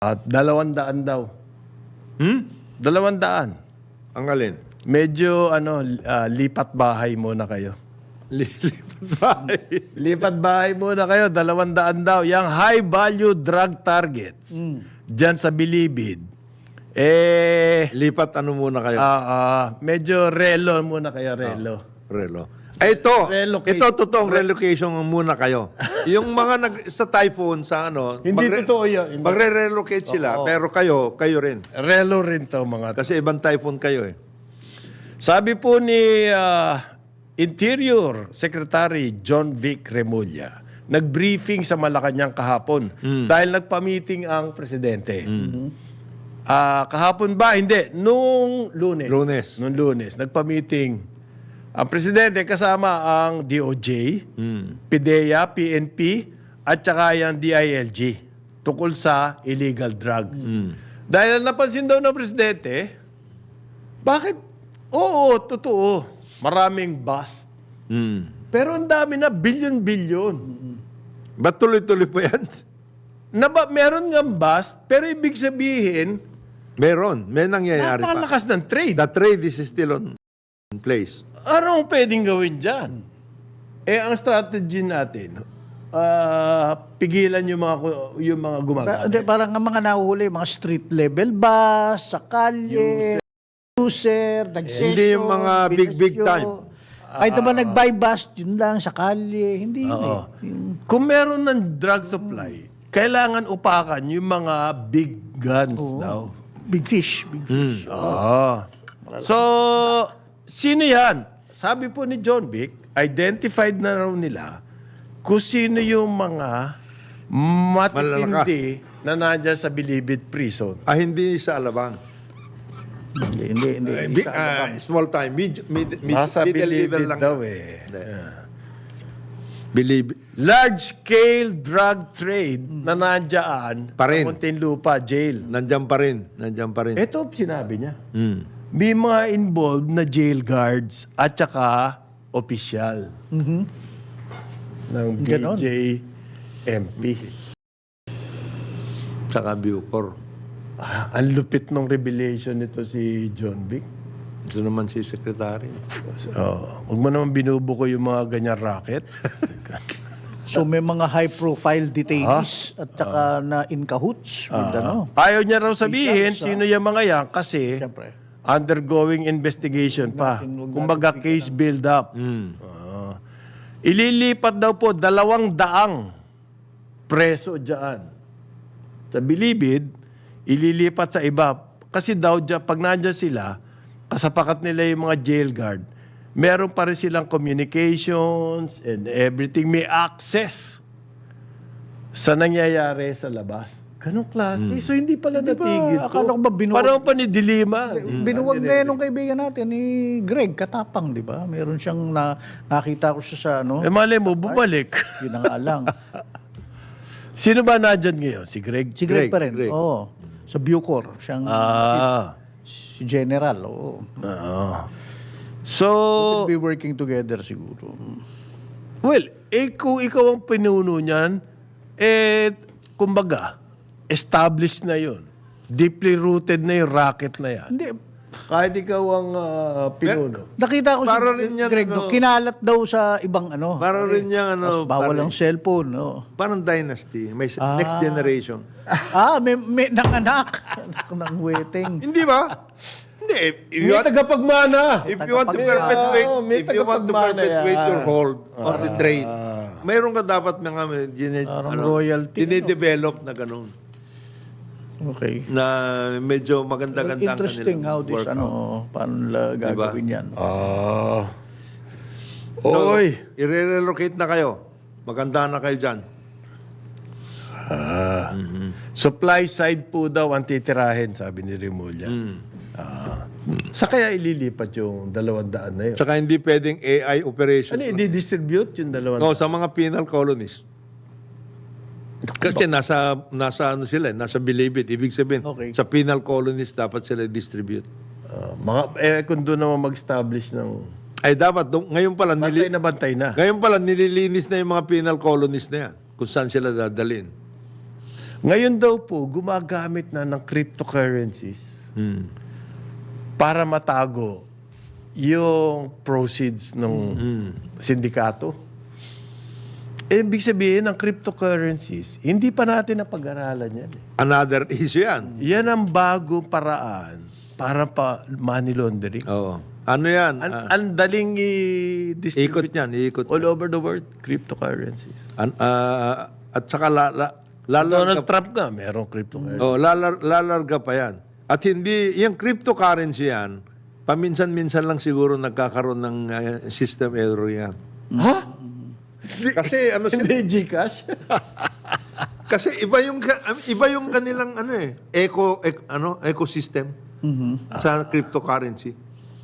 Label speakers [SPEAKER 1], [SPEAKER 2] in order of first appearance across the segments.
[SPEAKER 1] At 200 daw. 200.
[SPEAKER 2] Ang alin?
[SPEAKER 1] Medyo lipat bahay muna kayo.
[SPEAKER 2] Lilipat bahay.
[SPEAKER 1] Lipat bahay muna kayo, 200 daw. Yang high value drug targets. Diyan sa Bilibid.
[SPEAKER 2] Lipat ano muna kayo?
[SPEAKER 1] Medyo relo muna kayo, relo.
[SPEAKER 2] Relo. Ito,
[SPEAKER 1] Relocate.
[SPEAKER 2] ito totoong relocation muna kayo. Yung mga sa typhoon sa
[SPEAKER 1] Hindi totoo yun.
[SPEAKER 2] Magre-relocate sila, pero kayo rin.
[SPEAKER 1] Relo rin to mga.
[SPEAKER 2] Kasi ibang typhoon kayo eh.
[SPEAKER 1] Sabi po ni Interior Secretary John Vic Remulla, nag-briefing sa Malacanang kahapon dahil nagpa-meeting ang presidente. Kahapon ba? Hindi. Nung Lunes. Nung Lunes. Nagpa-meeting ang presidente kasama ang DOJ, PIDEA, PNP, at saka yung DILG tungkol sa illegal drugs. Dahil napansin daw ng presidente, bakit? Oo, totoo. Maraming bust. Pero ang dami na, bilyon-bilyon.
[SPEAKER 2] Ba't tuloy-tuloy po yan?
[SPEAKER 1] Meron nga bust, pero ibig sabihin,
[SPEAKER 2] May nangyayari pa.
[SPEAKER 1] napakalakas ng trade.
[SPEAKER 2] The trade is still on place.
[SPEAKER 1] Anong pwedeng gawin dyan? Ang strategy natin, pigilan yung mga gumagamit.
[SPEAKER 3] Parang ang mga nahuhuli, mga street level bus, sa kalye, user, nag-session.
[SPEAKER 2] Hindi yung mga big time.
[SPEAKER 3] Kahit naman nag-buy bus, yun lang, sa kalye. Hindi yun eh.
[SPEAKER 1] Kung meron ng drug supply, kailangan upakan yung mga big guns daw.
[SPEAKER 3] Big fish. Big fish.
[SPEAKER 1] So, sino yan? Sabi po ni John Vic, identified na raw nila kung sino yung mga matitindi na nandiyan sa Bilibid Prison.
[SPEAKER 2] Hindi sa Alabang.
[SPEAKER 3] Hindi.
[SPEAKER 2] Small time.
[SPEAKER 1] Nasa
[SPEAKER 2] Middle level
[SPEAKER 1] Bilibid
[SPEAKER 2] lang.
[SPEAKER 1] daw
[SPEAKER 2] Believe.
[SPEAKER 1] Large-scale drug trade na nandiyan
[SPEAKER 2] Pa rin.
[SPEAKER 1] sa Muntinlupa Jail.
[SPEAKER 2] Nandiyan pa rin.
[SPEAKER 1] Ito sinabi niya. May mga involved na jail guards at saka opisyal ng
[SPEAKER 3] Ganon.
[SPEAKER 1] BJMP.
[SPEAKER 2] Saka Bucor.
[SPEAKER 1] Ang lupit ng revelation nito si John Vic.
[SPEAKER 2] Ito naman si Secretary.
[SPEAKER 1] Huwag mo naman binubuko yung mga ganyan racket.
[SPEAKER 3] So may mga high-profile detainees at saka na in cahoots with
[SPEAKER 1] Ayaw niya raw sabihin sino yung mga yan kasi
[SPEAKER 3] Siyempre.
[SPEAKER 1] undergoing investigation pa. Kumbaga case build up. Ililipat daw po 200 preso dyan. Sa Bilibid, ililipat sa iba. Kasi daw dyan, pag nandyan sila, kasapakat nila yung mga jail guard, meron pa rin silang communications and everything. May access sa nangyayari sa labas. Ganong klase. So, hindi pala natigil to.
[SPEAKER 3] akala ko ba
[SPEAKER 1] Parang pa ni Dilima.
[SPEAKER 3] Binuwag na yun nung kaibigan natin ni Greg Katapang, di ba? Meron siyang nakita ko siya sa
[SPEAKER 1] Malay mo, bumalik.
[SPEAKER 3] yun ang alang.
[SPEAKER 1] Sino ba nandyan ngayon? Si Greg?
[SPEAKER 3] Si Greg pa rin.
[SPEAKER 2] Greg.
[SPEAKER 3] Oo. Sa Bucor. Siyang si General. Oo.
[SPEAKER 1] So,
[SPEAKER 3] We'll be working together siguro.
[SPEAKER 1] well, kung ikaw ang pinuno niyan, kumbaga, established na yun. Deeply rooted na yung racket na yan.
[SPEAKER 3] Hindi.
[SPEAKER 1] Kahit ikaw ang pinuno.
[SPEAKER 3] Nakita ko
[SPEAKER 2] Para
[SPEAKER 3] si
[SPEAKER 2] rin yan,
[SPEAKER 3] Greg, kinalat daw sa ibang
[SPEAKER 2] Para rin niyang
[SPEAKER 3] Mas bawal ang cellphone.
[SPEAKER 2] Parang dynasty. May next generation.
[SPEAKER 3] May nanganak. Anak ng waiting.
[SPEAKER 2] Hindi ba? Hindi.
[SPEAKER 1] May tagapagmana.
[SPEAKER 2] If you want to perpetuate,
[SPEAKER 1] may
[SPEAKER 2] if you want to
[SPEAKER 1] tagapagmana
[SPEAKER 2] perpetuate
[SPEAKER 1] yan.
[SPEAKER 2] your hold on the trade, mayroon ka dapat mga
[SPEAKER 3] royalty,
[SPEAKER 2] dinidevelop na ganun.
[SPEAKER 3] Okay.
[SPEAKER 2] Na medyo maganda-ganda
[SPEAKER 3] Interesting how this, paano nila gagawin yan.
[SPEAKER 2] So,
[SPEAKER 1] Oy.
[SPEAKER 2] i-relocate na kayo. Maganda na kayo dyan.
[SPEAKER 1] Supply side po daw ang titirahin, sabi ni Remulla. Sa kaya ililipat yung 200 na yun?
[SPEAKER 2] Tsaka hindi pwedeng AI operations.
[SPEAKER 1] Ano, i-distribute yung 200?
[SPEAKER 2] No, sa mga penal colonies. Kasi nasa sila, nasa Bilibid. Ibig sabihin, sa penal colonies dapat sila distribute.
[SPEAKER 1] Kung doon naman mag-establish ng...
[SPEAKER 2] Ay dapat, ngayon pala,
[SPEAKER 1] Bantay na.
[SPEAKER 2] ngayon pala nililinis na yung mga penal colonies na yan. Kung saan sila dadalhin.
[SPEAKER 1] Ngayon daw po, gumagamit na ng cryptocurrencies para matago yung proceeds ng sindikato. Ibig sabihin ng cryptocurrencies, hindi pa natin napag-aralan yan.
[SPEAKER 2] Another issue yan.
[SPEAKER 1] Yan ang bagong paraan para pa money laundering.
[SPEAKER 2] Oo. Ano yan?
[SPEAKER 1] Ang daling i-distribute
[SPEAKER 2] Ikot yan, ikot.
[SPEAKER 1] all over the world, cryptocurrencies.
[SPEAKER 2] At saka
[SPEAKER 1] Donald Trump nga, merong cryptocurrency.
[SPEAKER 2] lalarga pa yan. At hindi, yung cryptocurrency yan, paminsan-minsan lang siguro nagkakaroon ng system error yan.
[SPEAKER 1] Ha?
[SPEAKER 2] Kasi ano
[SPEAKER 1] Hindi Gcash?
[SPEAKER 2] kasi iba yung kanilang ecosystem sa cryptocurrency.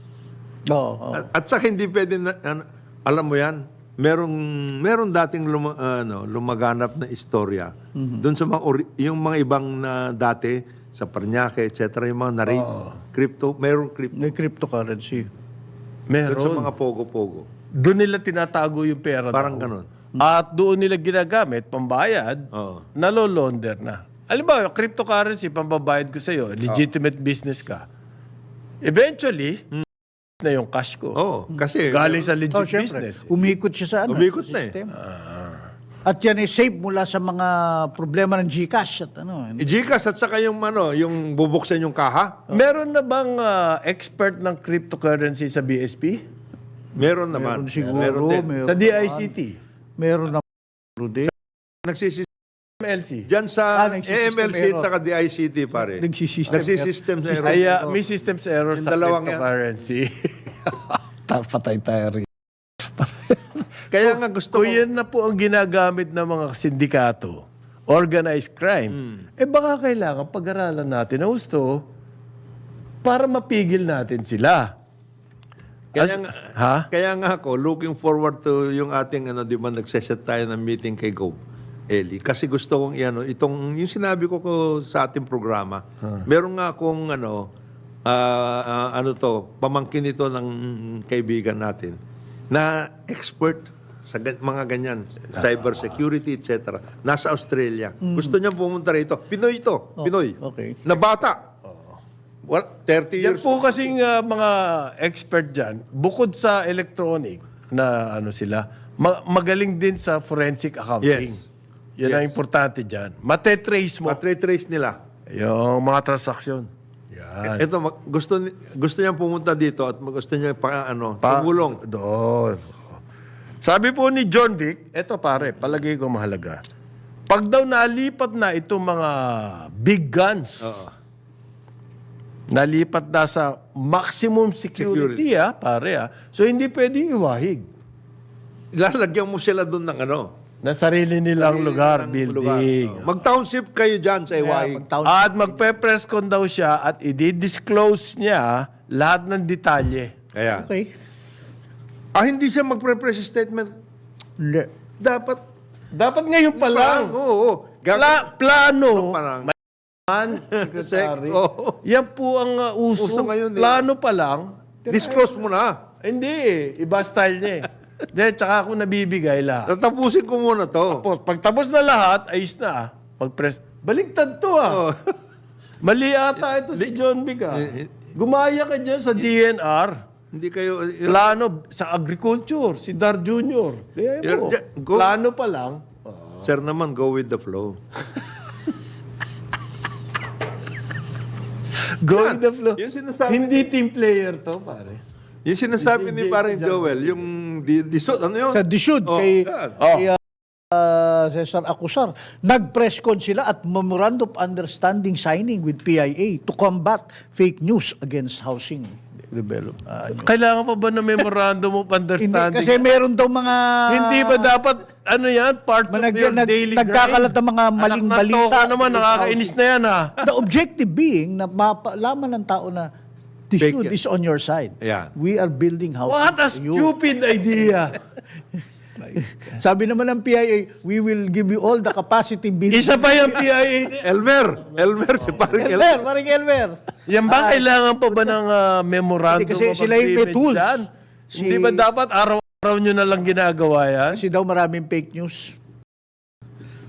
[SPEAKER 3] Oo.
[SPEAKER 2] At saka hindi pwede alam mo yan, meron dating lumaganap na istorya doon sa yung mga ibang na dati sa Paranaque, etc. yung mga narin merong crypto
[SPEAKER 3] May cryptocurrency.
[SPEAKER 2] doon sa
[SPEAKER 1] Meron.
[SPEAKER 2] mga pogo-pogo.
[SPEAKER 1] Doon nila tinatago yung pera.
[SPEAKER 2] Parang
[SPEAKER 1] daw.
[SPEAKER 2] ganon.
[SPEAKER 1] At doon nila ginagamit, pambayad,
[SPEAKER 2] Oo.
[SPEAKER 1] nalolonder na. Alam ba, yung cryptocurrency, pambabayad ko sa'yo, legitimate business ka. Eventually, na yung cash ko.
[SPEAKER 2] Oo, kasi
[SPEAKER 1] Galing sa legit
[SPEAKER 3] Oh, syempre.
[SPEAKER 1] business.
[SPEAKER 3] Umikot siya sa
[SPEAKER 2] Umikot na eh.
[SPEAKER 3] system. At yan ay safe mula sa mga problema ng Gcash at
[SPEAKER 2] Gcash at saka yung bubuksan yung kaha,
[SPEAKER 1] Meron na bang expert ng cryptocurrency sa BSP?
[SPEAKER 2] meron naman.
[SPEAKER 3] Meron siguro,
[SPEAKER 2] Meron din.
[SPEAKER 1] Sa DICT?
[SPEAKER 3] meron na din.
[SPEAKER 2] Nagsisystem
[SPEAKER 1] MLC?
[SPEAKER 2] Diyan sa
[SPEAKER 3] nagsisystem
[SPEAKER 2] AMLC
[SPEAKER 3] error.
[SPEAKER 2] at saka DICT, pare.
[SPEAKER 3] Nagsisystem
[SPEAKER 2] Nagsisystem sa error.
[SPEAKER 1] Ay, may systems error
[SPEAKER 2] Yung
[SPEAKER 1] sa
[SPEAKER 2] dalawang yan.
[SPEAKER 1] cryptocurrency.
[SPEAKER 3] Patay tayo rin.
[SPEAKER 2] Kaya nga gusto ko,
[SPEAKER 1] Kung yan na po ang ginagamit ng mga sindikato, organized crime, baka kailangan pag-aralan natin na gusto para mapigil natin sila.
[SPEAKER 2] kaya nga ako, looking forward to yung ating, di ba, nagseset tayo ng meeting kay Gov. Eli. Kasi gusto kong, yung sinabi ko sa ating programa, meron nga akong, pamangkin ito ng kaibigan natin, na expert sa mga ganyan, cyber security, etc. Nasa Australia. Gusto niya pumunta rito. Pinoy ito. Pinoy.
[SPEAKER 3] okay.
[SPEAKER 2] Na bata. Well, 30
[SPEAKER 1] Yan
[SPEAKER 2] years
[SPEAKER 1] po kasing mga expert dyan, bukod sa electronic na sila, magaling din sa forensic accounting.
[SPEAKER 2] Yes.
[SPEAKER 1] Yan ang importante dyan. Matetrace mo
[SPEAKER 2] Matre-trace nila.
[SPEAKER 1] yung mga transaksyon. Yan.
[SPEAKER 2] Ito, gusto niya pumunta dito at gusto niya tumulong.
[SPEAKER 1] Doon. Sabi po ni John Vic, eto pare, palagay ko mahalaga. Pag daw nalipat na itong mga big guns, nalipat na sa maximum security, pare. So hindi pwedeng iwahig.
[SPEAKER 2] Lalagyan mo sila doon ng
[SPEAKER 1] Na sarili nilang lugar,
[SPEAKER 2] ng
[SPEAKER 1] building.
[SPEAKER 2] lugar. Mag-township kayo dyan sa Iwahig.
[SPEAKER 1] At magpe-press con daw siya at i-disclose niya lahat ng detalye.
[SPEAKER 2] Kaya,
[SPEAKER 3] Okay.
[SPEAKER 2] hindi siya magpre-press statement.
[SPEAKER 3] Hindi.
[SPEAKER 2] Dapat,
[SPEAKER 1] Dapat ngayon pa lang.
[SPEAKER 2] oo.
[SPEAKER 1] Plano.
[SPEAKER 2] pa lang.
[SPEAKER 1] Secretary.
[SPEAKER 2] Oo.
[SPEAKER 1] Yan po ang uso.
[SPEAKER 2] Uso ngayon,
[SPEAKER 1] Plano pa lang.
[SPEAKER 2] Disclose mo na.
[SPEAKER 1] Hindi, iba style niya eh. Then, tsaka ako nabibigay lahat.
[SPEAKER 2] Tatapusin ko muna to.
[SPEAKER 1] Tapos, pagtapos na lahat, ayos na. Mag-press. Baligtad to
[SPEAKER 2] Oo.
[SPEAKER 1] Mali ata ito si John Vic Gumaya ka dyan sa DNR.
[SPEAKER 2] Hindi kayo...
[SPEAKER 1] Plano sa agriculture, si Dar Jr. Kaya mo,
[SPEAKER 2] Go.
[SPEAKER 1] plano pa lang.
[SPEAKER 2] Sir naman, go with the flow.
[SPEAKER 1] Go with the flow.
[SPEAKER 2] Yung sinasabi
[SPEAKER 1] Hindi team player to, pare.
[SPEAKER 2] Yung sinasabi ni parang Joel, yung disot, ano yun?
[SPEAKER 3] Sa Dishud,
[SPEAKER 2] Oh,
[SPEAKER 3] kay
[SPEAKER 2] yan.
[SPEAKER 3] Cesar Acusar, nag-press con sila at memorandum of understanding signing with PIA to combat fake news against housing development.
[SPEAKER 1] Kailangan pa ba na memorandum of
[SPEAKER 3] Hindi,
[SPEAKER 1] understanding?
[SPEAKER 3] kasi meron daw mga...
[SPEAKER 1] Hindi ba dapat, part of your daily grind?
[SPEAKER 3] nagkakalat ng mga maling
[SPEAKER 1] Anak ng
[SPEAKER 3] balita.
[SPEAKER 1] toka naman, nakakainis na yan
[SPEAKER 3] The objective being na mapalaman ng tao na Dishud
[SPEAKER 2] Fake yan.
[SPEAKER 3] is on your side.
[SPEAKER 2] Yan.
[SPEAKER 3] We are building housing
[SPEAKER 1] What a
[SPEAKER 3] for you.
[SPEAKER 1] stupid idea.
[SPEAKER 3] Sabi naman ng PIA, we will give you all the capacity building.
[SPEAKER 1] Isa pa yung PIA.
[SPEAKER 2] Elmer, si parang
[SPEAKER 3] Elmer, paring Elmer.
[SPEAKER 1] Yan ba kailangan pa ba ng memorandum
[SPEAKER 3] Hindi, kasi
[SPEAKER 1] of
[SPEAKER 3] sila yung may
[SPEAKER 1] agreement
[SPEAKER 3] tools.
[SPEAKER 1] dyan? Hindi ba dapat araw-araw nyo na lang ginagawa yan?
[SPEAKER 3] Kasi daw maraming fake news.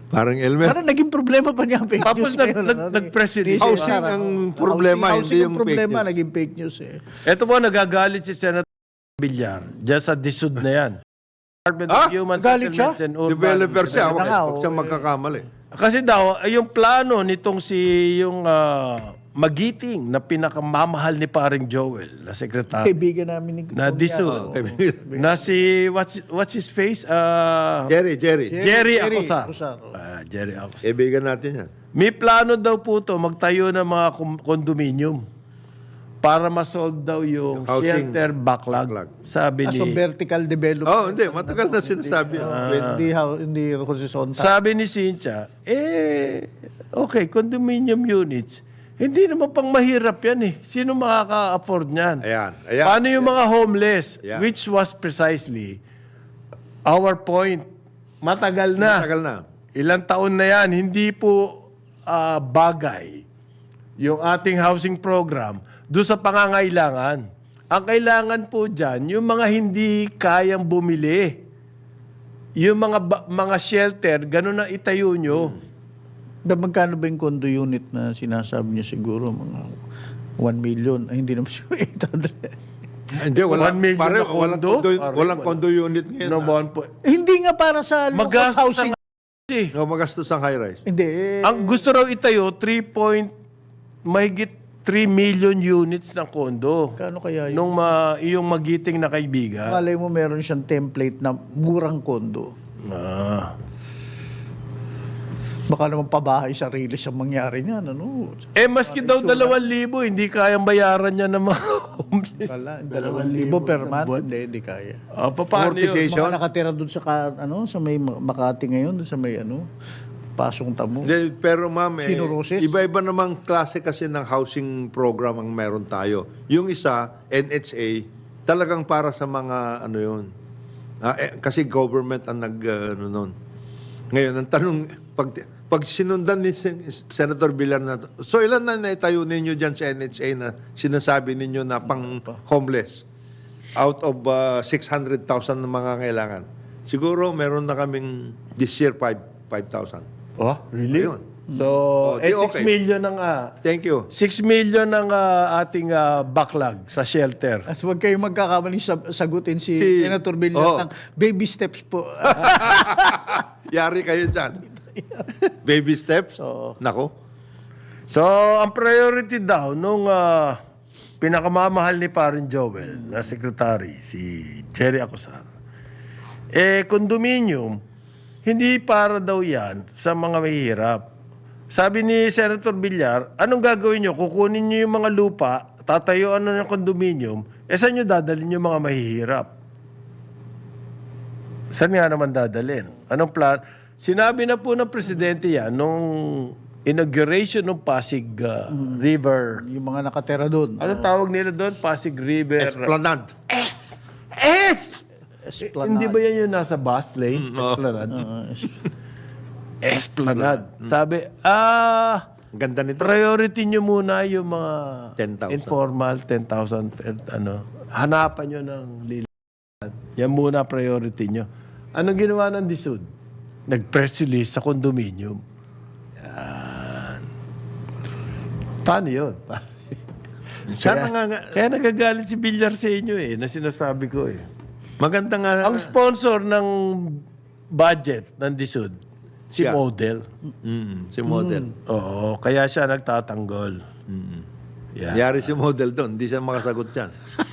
[SPEAKER 2] Parang Elmer.
[SPEAKER 3] Parang naging problema pa niya ang fake
[SPEAKER 1] Tapos
[SPEAKER 3] news ngayon,
[SPEAKER 1] nag-press release.
[SPEAKER 2] Housing ang problema, hindi yung fake
[SPEAKER 3] problema,
[SPEAKER 2] news.
[SPEAKER 3] naging fake news eh.
[SPEAKER 1] Ito po, nagagalit si Senator Villar dyan sa DSUD na yan. Department of Human
[SPEAKER 3] galit siya?
[SPEAKER 1] Settlements and Urban
[SPEAKER 2] Developer siya.
[SPEAKER 3] Ayun na nga,
[SPEAKER 2] Huwag siyang magkakamali.
[SPEAKER 1] Kasi daw, yung plano nitong yung Magiting na pinakamamahal ni paring Joel, na sekretary,
[SPEAKER 3] Kaibigan namin ni
[SPEAKER 1] na DSUD, na si, what's his face?
[SPEAKER 2] Jerry.
[SPEAKER 1] Acosar.
[SPEAKER 3] Acosar.
[SPEAKER 1] Jerry Acosar.
[SPEAKER 2] Kaibigan natin yan.
[SPEAKER 1] May plano daw po to magtayo ng mga condominium para ma-solve daw yung
[SPEAKER 2] Housing
[SPEAKER 1] shelter backlog. Sabi
[SPEAKER 3] So
[SPEAKER 1] ni
[SPEAKER 3] vertical development.
[SPEAKER 2] Oh, hindi. Matagal na sinasabi.
[SPEAKER 3] Hindi horizontal.
[SPEAKER 1] Sabi ni Cynthia, okay, condominium units. Hindi naman pang mahirap yan eh. Sino makaka-afford niyan?
[SPEAKER 2] Ayan.
[SPEAKER 1] Paano yung mga homeless?
[SPEAKER 2] Ayan.
[SPEAKER 1] Which was precisely our point. Matagal na.
[SPEAKER 2] Matagal na.
[SPEAKER 1] Ilang taon na yan. Hindi po bagay yung ating housing program doon sa pangangailangan. Ang kailangan po dyan, yung mga hindi kayang bumili. Yung mga shelter, ganun na itayo nyo.
[SPEAKER 3] Magkano ba yung condo unit na sinasabi niya siguro? Mga 1 million. Ay, hindi naman siya 800.
[SPEAKER 2] Hindi,
[SPEAKER 1] 1 million
[SPEAKER 2] pare,
[SPEAKER 1] na condo?
[SPEAKER 2] walang condo unit ngayon.
[SPEAKER 1] No,
[SPEAKER 3] Hindi nga para sa low-cost
[SPEAKER 1] Magastos
[SPEAKER 3] housing.
[SPEAKER 2] Magastos ang high-rise.
[SPEAKER 3] Hindi.
[SPEAKER 1] Ang gusto raw itayo, mahigit 3 million units ng kondo.
[SPEAKER 3] Kano kaya yun?
[SPEAKER 1] Nung iyong magiting na kaibigan.
[SPEAKER 3] Malay mo meron siyang template na murang kondo. Baka naman pabahay sarili sa mangyari niyan. Ano?
[SPEAKER 1] Maski daw 2,000, hindi kayang bayaran niya ng mga homeless.
[SPEAKER 3] Kala, 2,000 per month? Hindi kaya.
[SPEAKER 1] Paano yun?
[SPEAKER 2] Amortization.
[SPEAKER 3] Mga nakatira doon sa may Makati ngayon, doon sa may Pasong Tamo.
[SPEAKER 2] Hindi, pero ma'am,
[SPEAKER 3] Sino, Roses?
[SPEAKER 2] iba-iba namang klase kasi ng housing program ang meron tayo. Yung isa, NHA, talagang para sa mga yun. Kasi government ang nun. Ngayon, ang tanong, pag sinundan ni Senator Villar na, so ilan na naitayo ninyo dyan sa NHA na sinasabi ninyo na pang homeless? Out of 600,000 na mga kailangan. Siguro meron na kaming this year 5,000.
[SPEAKER 1] Oh, really?
[SPEAKER 2] Ayun.
[SPEAKER 1] So, 6
[SPEAKER 2] okay.
[SPEAKER 1] million ang
[SPEAKER 2] Thank you.
[SPEAKER 1] 6 million ang ating backlog sa shelter.
[SPEAKER 3] As huwag kayong magkakamaling sagutin si Senator
[SPEAKER 2] Oh.
[SPEAKER 3] Villar ng baby steps po.
[SPEAKER 2] Yari kayo dyan. Baby steps? Nako.
[SPEAKER 1] So, ang priority daw nung pinakamamahal ni Parin Joel na secretary, si Jerry Acosar, condominium, hindi para daw yan sa mga mahihirap. Sabi ni Senator Villar, anong gagawin nyo? Kukunin nyo yung mga lupa, tatayuan na ng condominium, saan nyo dadalhin yung mga mahihirap? Saan nga naman dadalhin? Anong plan? Sinabi na po ng presidente yan nung inauguration ng Pasig River.
[SPEAKER 3] Yung mga nakatira doon.
[SPEAKER 1] Anong tawag nila doon? Pasig River.
[SPEAKER 2] Esplanade.
[SPEAKER 3] Esplanade.
[SPEAKER 1] Hindi ba yan yung nasa bus lane? Esplanade. Esplanade. Sabi,
[SPEAKER 2] Ganda nito.
[SPEAKER 1] priority nyo muna yung mga
[SPEAKER 2] 10,000.
[SPEAKER 1] informal, 10,000, hanapan nyo ng lilipad. Yan muna priority nyo. Anong ginawa ng DSUD? Nag-press release sa condominium. Yan. Paano yun?
[SPEAKER 2] Sana nga,
[SPEAKER 1] Kaya nagagalit si Villar sa inyo na sinasabi ko
[SPEAKER 2] maganda nga.
[SPEAKER 1] Ang sponsor ng budget ng DSUD, si
[SPEAKER 2] Siya.
[SPEAKER 1] Model.
[SPEAKER 2] Si model.
[SPEAKER 1] Oo, kaya siya nagtatanggol. Yeah.
[SPEAKER 2] Yari si model doon. Hindi siya makasagot yan.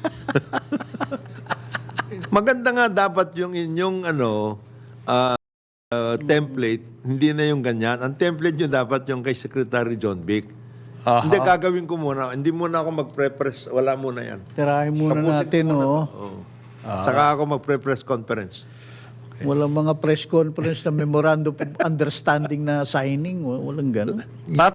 [SPEAKER 2] Maganda nga dapat yung inyong template, hindi na yung ganyan. Ang template nyo dapat yung kay Secretary John Vic.
[SPEAKER 1] Aha.
[SPEAKER 2] Hindi, gagawin ko muna. Hindi muna ako mag-pre-press. Wala muna yan.
[SPEAKER 3] Tirahin muna natin,
[SPEAKER 2] Saka ako mag-pre-press conference.
[SPEAKER 3] Walang mga press conference na memorandum of understanding na signing. Walang gano'n.